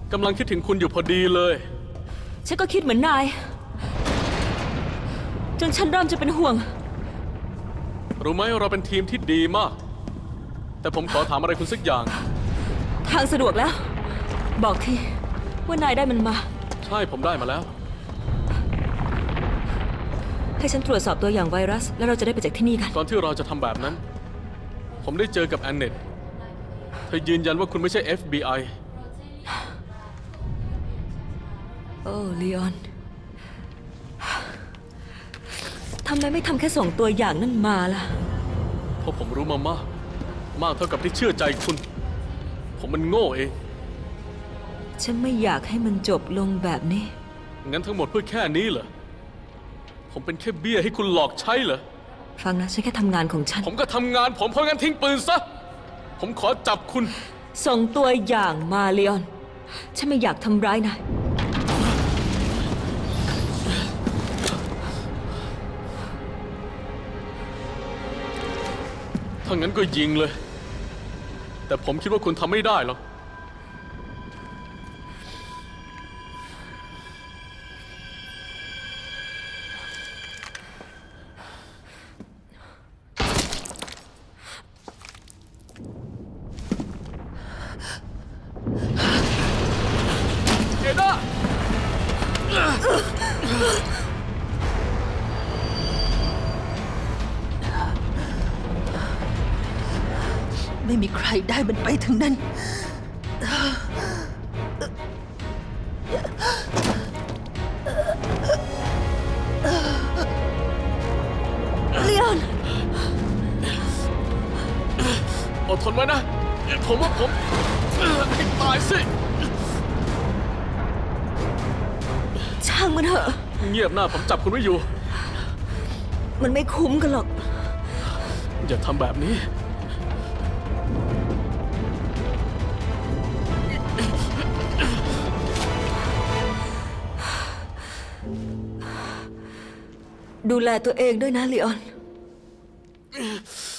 กำลังคิดถึงคุณอยู่พอดีเลยฉันก็คิดเหมือนนายจนฉันเริ่มจะเป็นห่วงรู้ไหมเราเป็นทีมที่ดีมากแต่ผมขอถามอะไรคุณสักอย่างทางสะดวกแล้วบอกทีว่านายได้มันมาใช่ผมได้มาแล้วให้ฉันตรวจสอบตัวอย่างไวรัสแล้วเราจะได้ไปจากที่นี่กันก่อนที่เราจะทำแบบนั้นผมได้เจอกับแอนเนตเธอยืนยันว่าคุณไม่ใช่ FBI โอ้ลีออนทำไมไม่ทำแค่ส่งตัวอย่างนั่นมาล่ะเพราะผมรู้มามากเท่ากับที่เชื่อใจคุณผมมันโง่เองฉันไม่อยากให้มันจบลงแบบนี้งั้นทั้งหมดเพื่อแค่นี้เหรอผมเป็นแค่เบี้ยให้คุณหลอกใช้เหรอฟังนะฉันแค่ทำงานของฉันผมก็ทำงานผมเพราะงั้นทิ้งปืนซะผมขอจับคุณส่งตัวอย่างมาลีออนฉันไม่อยากทำร้ายนายถ้างั้นก็ยิงเลยแต่ผมคิดว่าคุณทำไม่ได้หรอกเอด้าไม่มีใครได้มันไปถึงนั้นลีออนอดทนไว้นะผมว่าผมให้ตายสิช่างมันเถอะเงียบหน้าผมจับคุณไว้อยู่มันไม่คุ้มกันหรอกอย่าทำแบบนี้ดูแลตัวเองด้วยนะลีออน